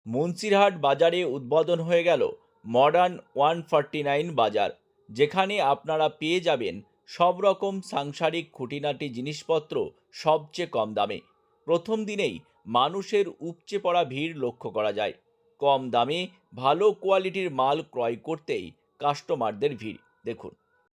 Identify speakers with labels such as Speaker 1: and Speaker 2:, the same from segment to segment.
Speaker 1: মুন্সিরহাট বাজারে উদ্বোধন হয়ে গেল মডার্ন 149 বাজার, যেখানে আপনারা পেয়ে যাবেন সব রকম সাংসারিক খুঁটিনাটি জিনিসপত্র সবচেয়ে কম দামে। প্রথম দিনেই মানুষের উপচে পড়া ভিড় লক্ষ্য করা যায়। কম দামে ভালো কোয়ালিটির মাল ক্রয় করতেই কাস্টমারদের ভিড় দেখুন।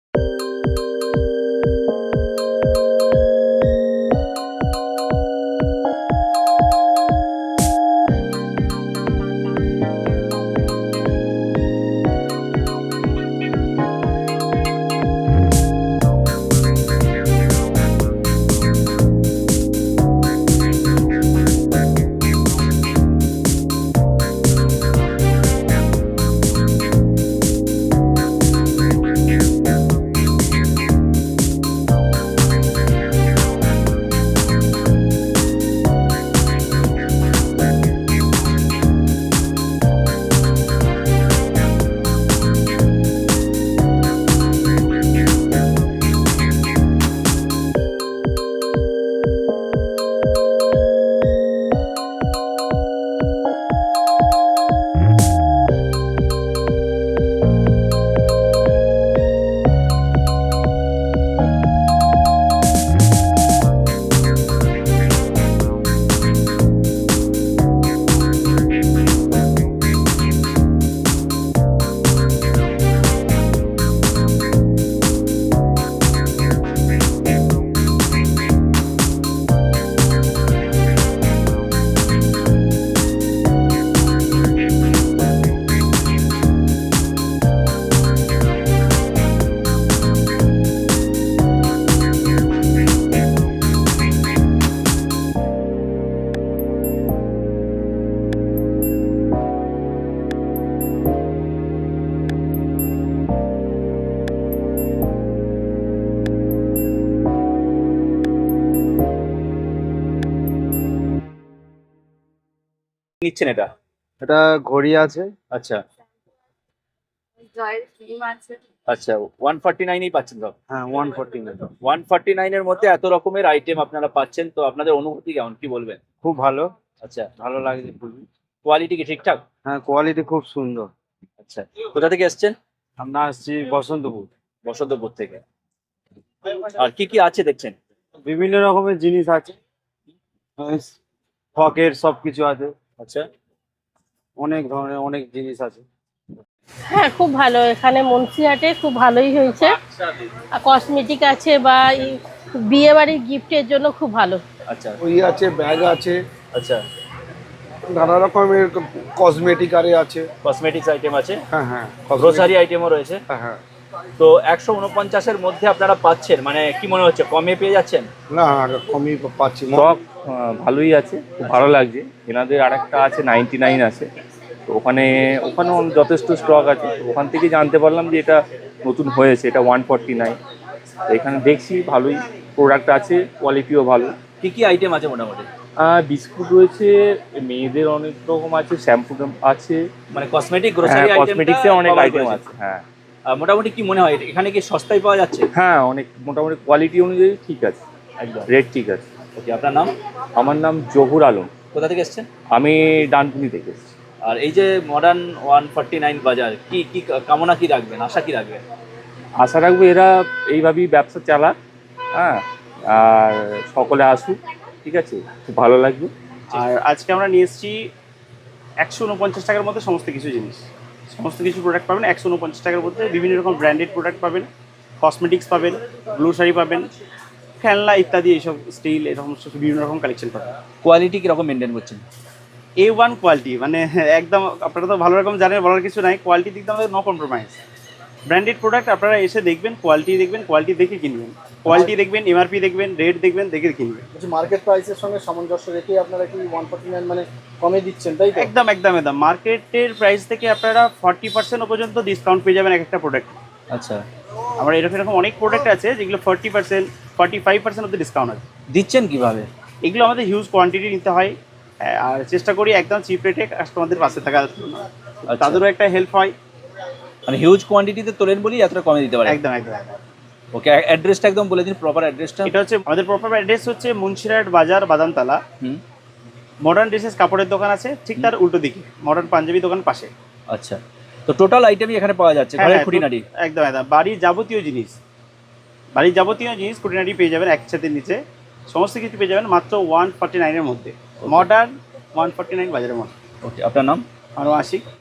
Speaker 1: নিচ্ছেন এটা?
Speaker 2: এটা ঘড়ি আছে।
Speaker 1: আচ্ছা
Speaker 3: জয়ের ক্রিম আছে।
Speaker 1: আচ্ছা, 149 পাচ্ছেন তো?
Speaker 2: হ্যাঁ 149।
Speaker 1: 149 এর মধ্যে এত রকমের আইটেম আপনারা পাচ্ছেন, তো আপনাদের অনুভূতি কেমন, কি বলবেন?
Speaker 2: খুব ভালো,
Speaker 1: আচ্ছা,
Speaker 2: ভালো লাগছে খুবই।
Speaker 1: কোয়ালিটি কি ঠিকঠাক?
Speaker 2: হ্যাঁ কোয়ালিটি খুব সুন্দর।
Speaker 1: আচ্ছা, কোথা থেকে এসেছেন?
Speaker 2: আমরা আসছি বসন্তপুর।
Speaker 1: বসন্তপুর থেকে। আর কি কি আছে দেখছেন?
Speaker 2: বিভিন্ন রকমের জিনিস আছে, ফকের সবকিছু আছে,
Speaker 1: আচ্ছা,
Speaker 2: অনেক ধরনের অনেক জিনিস আছে।
Speaker 3: হ্যাঁ খুব ভালো, এখানে মুন্সিহাটে খুব ভালোই হয়েছে। আর কসমেটিক আছে বা বিয়ে বাড়ির গিফটের জন্য খুব ভালো।
Speaker 1: আচ্ছা
Speaker 4: ওই আছে, ব্যাগ আছে,
Speaker 1: আচ্ছা,
Speaker 4: নানা রকমের কসমেটিক আরে আছে।
Speaker 1: কসমেটিক্স আইটেম আছে,
Speaker 4: হ্যাঁ হ্যাঁ,
Speaker 1: গ্রোসারি আইটেমও রয়েছে।
Speaker 4: হ্যাঁ হ্যাঁ।
Speaker 1: তো 149 মধ্যে আপনারা পাচ্ছেন, মানে কি মনে হচ্ছে কমে পেয়ে যাচ্ছেন?
Speaker 4: না কমই পাচ্ছি।
Speaker 5: স্টক ভালোই আছে, খুব ভালো লাগছে। এনাদের আরেকটা আছে 99 আছে, তো ওখানেও যথেষ্ট স্টক আছে। তো ওখান থেকে জানতে পারলাম যে এটা নতুন হয়েছে, এটা 149। তো এখানে দেখছি ভালোই প্রোডাক্ট আছে, কোয়ালিটিও ভালো।
Speaker 1: কি কি আইটেম আছে মোটামুটি?
Speaker 5: বিস্কুট রয়েছে, মেয়েদের অনেক রকম আছে, শ্যাম্পু আছে,
Speaker 1: মানে কসমেটিক গ্রোসারি আইটেম,
Speaker 5: কসমেটিক্সে অনেক আইটেম আছে। হ্যাঁ,
Speaker 1: মোটামুটি কি মনে হয় এখানে কি সস্তায় পাওয়া যাচ্ছে?
Speaker 5: হ্যাঁ অনেক, মোটামুটি কোয়ালিটি অনুযায়ী ঠিক আছে,
Speaker 1: একদম
Speaker 5: রেট ঠিক আছে।
Speaker 1: ওকে, আপনার নাম?
Speaker 5: আমার নাম জহুর আলম।
Speaker 1: কোথা থেকে এসেছেন?
Speaker 5: আমি ডানকুনি থেকে এসেছি।
Speaker 1: আর এই যে মডার্ন 149 বাজার, কি কি কামনা কি রাখবেন, আশা কি রাখবেন?
Speaker 5: আশা রাখবো এরা এইভাবেই ব্যবসা চালাক, হ্যাঁ, আর সকলে আসুক, ঠিক আছে, খুব ভালো লাগবে।
Speaker 6: আর আজকে আমরা নিয়ে এসেছি 149 টাকার মধ্যে সমস্ত কিছু জিনিস, সমস্ত কিছু প্রোডাক্ট পাবেন 149 টাকার মধ্যে। বিভিন্ন রকম ব্র্যান্ডেড প্রোডাক্ট পাবেন, কসমেটিক্স পাবেন, গ্লোসারি পাবেন, খেলনা ইত্যাদি, এইসব স্টিল এরকম বিভিন্ন রকম কালেকশন পাবেন।
Speaker 1: কোয়ালিটি কিরকম মেনটেন করছেন?
Speaker 6: A1 কোয়ালিটি, মানে একদম আপনারা তো ভালো রকম জানেন, বলার কিছু নাই। কোয়ালিটি দিক দিয়ে নো কম্প্রোমাইজ। ব্র্যান্ডেড প্রোডাক্ট আপনারা এসে দেখবেন, কোয়ালিটি দেখবেন, কোয়ালিটি দেখে কিনবেন, কোয়ালিটি দেখবেন, এমআরপি দেখবেন, রেট দেখবেন, দেখে কিনবেন।
Speaker 4: মার্কেট প্রাইসের সঙ্গে সামঞ্জস্য রেখে আপনারা কি 149 মানে কমে দিচ্ছেন, তাই তো?
Speaker 6: একদম একদম একদম মার্কেটের প্রাইস থেকে আপনারা 40% পর্যন্ত ডিসকাউন্ট পেয়ে যাবেন এক একটা প্রোডাক্ট।
Speaker 1: আচ্ছা,
Speaker 6: আমরা এরকম অনেক প্রোডাক্ট আছে যেগুলো 40%, 45% অব্দি ডিসকাউন্ট আছে।
Speaker 1: দিচ্ছেন কিভাবে?
Speaker 6: এগুলো আমাদের হিউজ কোয়ান্টিটি নিতে হয়, আর চেষ্টা করি একদম চিপ রেটে কাস্টমারদের পাশে থাকার জন্য, তাদেরও একটা হেল্প হয়।
Speaker 1: মানে হিউজ কোয়ান্টিটিতে তোলেন বলি এতটা কমে দিতে পারে।
Speaker 6: একদম একদম একদম।
Speaker 1: ওকে, অ্যাড্রেসটা একদম বলে দিন, প্রপার অ্যাড্রেসটা।
Speaker 6: এটা হচ্ছে আমাদের প্রপার অ্যাড্রেস হচ্ছে মুন্সিরহাট বাজার, বাদামতলা। মডার্ন ড্রেসেস কাপড়ের দোকান আছে ঠিক তার উল্টো দিকে, মডার্ন পাঞ্জাবি দোকান পাশে।
Speaker 7: আচ্ছা, তো টোটাল আইটেমই এখানে পাওয়া যাচ্ছে,
Speaker 6: হ্যাঁ,
Speaker 7: ঘরের
Speaker 6: হ্যাঁ,
Speaker 7: খুঁটিনাটি।
Speaker 6: একদম একদম বাড়ির যাবতীয় জিনিস, খুঁটিনাটি পেয়ে যাবেন এক ছাদের নিচে। সমস্ত কিছু পেয়ে যাবেন মাত্র 149 এর মধ্যে, মডার্ন 149 বাজারের মধ্যে।
Speaker 7: ওকে, আপনার নাম?
Speaker 6: আরও আশিক।